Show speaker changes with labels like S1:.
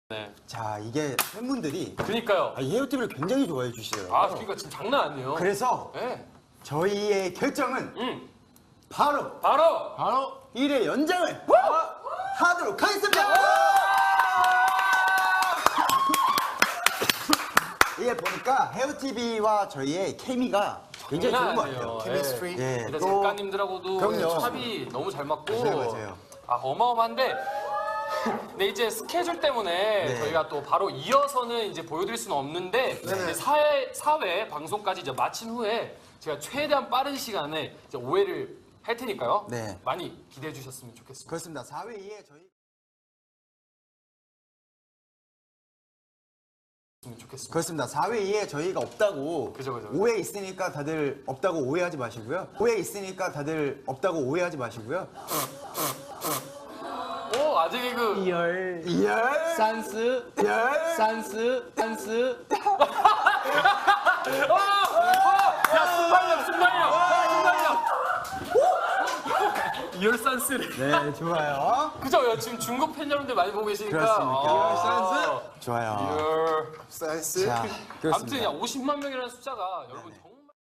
S1: 네.
S2: 자, 이게 팬분들이
S1: 그니까요.
S2: 이 헤어팁을 굉장히 좋아해 주시더라고요.
S1: 아, 그러니까 지금 장난 아니에요.
S2: 그래서
S1: 네.
S2: 저희의 결정은 바로
S1: 바로
S2: 1회 연장을 하도록 하겠습니다. 이게 보니까 헤어TV와 저희의 케미가 굉장히 좋은 것 같아요.
S1: 케미스트리.
S2: 예,
S1: 근데
S2: 또
S1: 작가님들하고도
S2: 그럼요.
S1: 합이 너무 잘 맞고.
S2: 맞아요.
S1: 아, 어마어마한데. 근데 이제 스케줄 때문에
S2: 네.
S1: 저희가 또 바로 이어서는 이제 보여드릴 수는 없는데 이제 사회 방송까지 이제 마친 후에 제가 최대한 빠른 시간에 이제 오해를 할 테니까요.
S2: 네.
S1: 많이 기대해 주셨으면 좋겠습니다.
S2: 그렇습니다. 4회 이에 저희 그렇습니다. 4회 이에 저희가 없다고
S1: 그죠.
S2: 오해 있으니까 다들 없다고 오해하지 마시고요. 오해 있으니까 다들 없다고 오해하지 마시고요.
S1: 오, 아직 그
S3: 열
S2: 열
S3: 산스
S2: 열
S3: 산스 산스
S1: 야, 순발력. 이열산스를.
S2: 네, 좋아요.
S1: 그죠? 야, 지금 중국 팬 여러분들 많이 보고 계시니까.
S2: 그렇습니까?
S1: 이열산스.
S2: 좋아요.
S1: 이열.
S2: 자,
S1: 아무튼
S2: 그렇습니다.
S1: 야, 50만 명이라는 숫자가 여러분